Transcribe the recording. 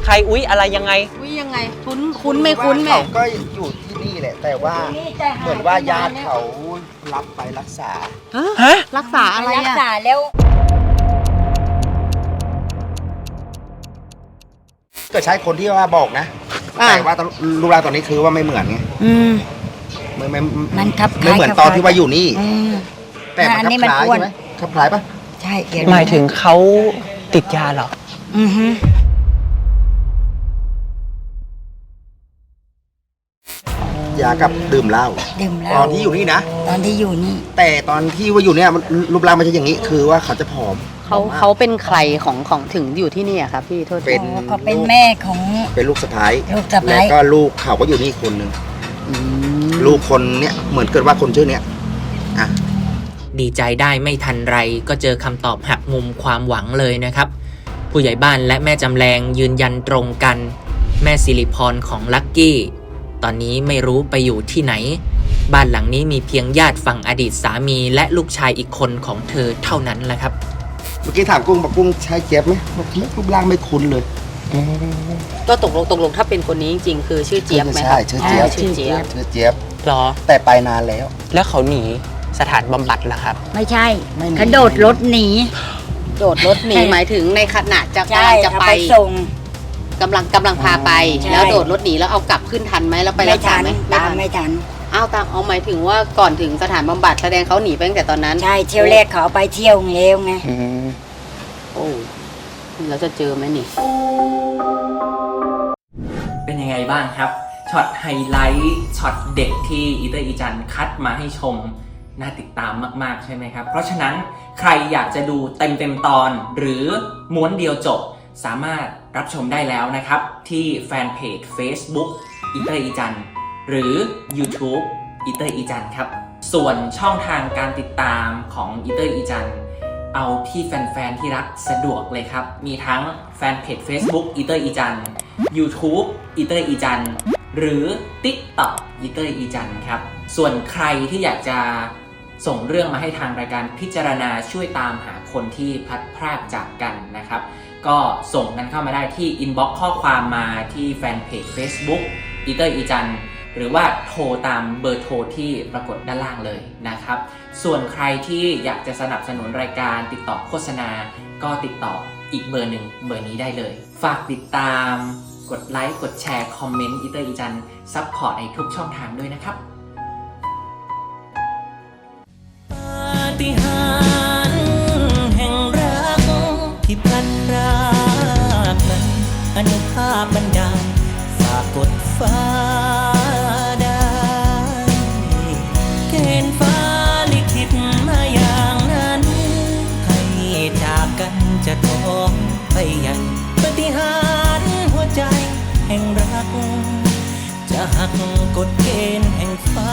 ใครอุ๊ยอะไรยังไงอุ๊ยยังไงคุ้นไม่คุ้นแม่เขาก็อยู่ที่นี่แหละแต่ว่าเหมือนว่าญาติเขารับไปรักษาฮะรักษาอะไรอะรักษาแล้วก็ใช้คนที่ว่าบอกนะแต่ว่ารูปร่างตอนนี้คือว่าไม่เหมือนไงมันครับไม่เหมือนตอนที่ว่าอยู่นี่แต่มันคล้ายใช่ไหมคล้ายปะใช่หมายถึงเขาติดยาเหรอยากับดื่มเหล้าตอนที่อยู่นี่นะตอนที่อยู่นี่แต่ตอนที่ว่าอยู่เนี่ยรูปร่างไม่ใช่อย่างนี้คือว่าเขาจะผอมเขาเป็นใครของถึงอยู่ที่นี่อะครับพี่โทษเขาเป็นแม่ของเป็นลูกสะใภ้แล้วก็ลูกเขาก็อยู่นี่คนหนึ่งลูกคนเนี้ยเหมือนเกิดว่าคนชื่อเนี้ยดีใจได้ไม่ทันไรก็เจอคำตอบหักมุมความหวังเลยนะครับผู้ใหญ่บ้านและแม่จำแรงยืนยันตรงกันแม่สิริพรของลักกี้ตอนนี้ไม่รู้ไปอยู่ที่ไหนบ้านหลังนี้มีเพียงญาติฝั่งอดีตสามีและลูกชายอีกคนของเธอเท่านั้นแหละครับเมื่อกี้ถามกุ้งบอกกุ้งใช่เจี๊ยบไหมบอกรูปร่างไม่คุ้นเลยก็ตกลงถ้าเป็นคนนี้จริงๆคือชื่อเจี๊ยบไหมใช่ชื่อเจี๊ยบชื่อเจี๊ยบหรอแต่ไปนานแล้วเขาหนีสถานบำบัดเหรอครับไม่ใช่กระโดดรถหนีหมายถึงในขณะจะไปส่งกำลังพาไปแล้วโดดรถหนีแล้วเอากลับขึ้นทันไหมแล้วไปรักษาไหมไม่ทันเอาหมายถึงว่าก่อนถึงสถานบำบัดแสดงเขาหนีไปตั้งแต่ตอนนั้นใช่เที่ยวแรกเขาไปเที่ยวเร็วไงโอ้แล้วจะเจอไหมนี่เป็นยังไงบ้างครับช็อตไฮไลท์ช็อตเด็กที่อีเตอร์อีจันคัดมาให้ชมน่าติดตามมากๆใช่ไหมครับเพราะฉะนั้นใครอยากจะดูเต็มตอนหรือม้วนเดียวจบสามารถรับชมได้แล้วนะครับที่แฟนเพจ Facebook อีเตอร์อีจันหรือ YouTube อีเตอร์อีจันครับส่วนช่องทางการติดตามของอีเตอร์อีจันเอาที่แฟนๆที่รักสะดวกเลยครับมีทั้งแฟนเพจ Facebook อีเตอร์อีจัน YouTube อีเตอร์อีจันหรือ TikTok อีเตอร์อีจันครับส่วนใครที่อยากจะส่งเรื่องมาให้ทางรายการพิจารณาช่วยตามหาคนที่พลัดพรากจากกันนะครับก็ส่งกันเข้ามาได้ที่อินบ็อกซ์ข้อความมาที่แฟนเพจ Facebook อีเตอร์อีจันหรือว่าโทรตามเบอร์โทรที่ปรากฏด้านล่างเลยนะครับส่วนใครที่อยากจะสนับสนุนรายการติดต่อโฆษณาก็ติดต่ออีกเบอร์หนึ่งเบอร์นี้ได้เลยฝากติดตามกดไลค์กดแชร์คอมเมนต์อีเตอร์อีจันซัพพอร์ตในทุกช่องทางด้วยนะครับปาฏิหาริย์แห่งรักที่พลัดพรากนั้นอนุภาพบันดาลฝากกดฟ้าได้เกณฑ์ฟ้าลิขิตมาอย่างนั้นให้จากกันจะท้องไปยังปาฏิหาริย์หัวใจแห่งรักจะหักกฎเกณฑ์แห่งฟ้า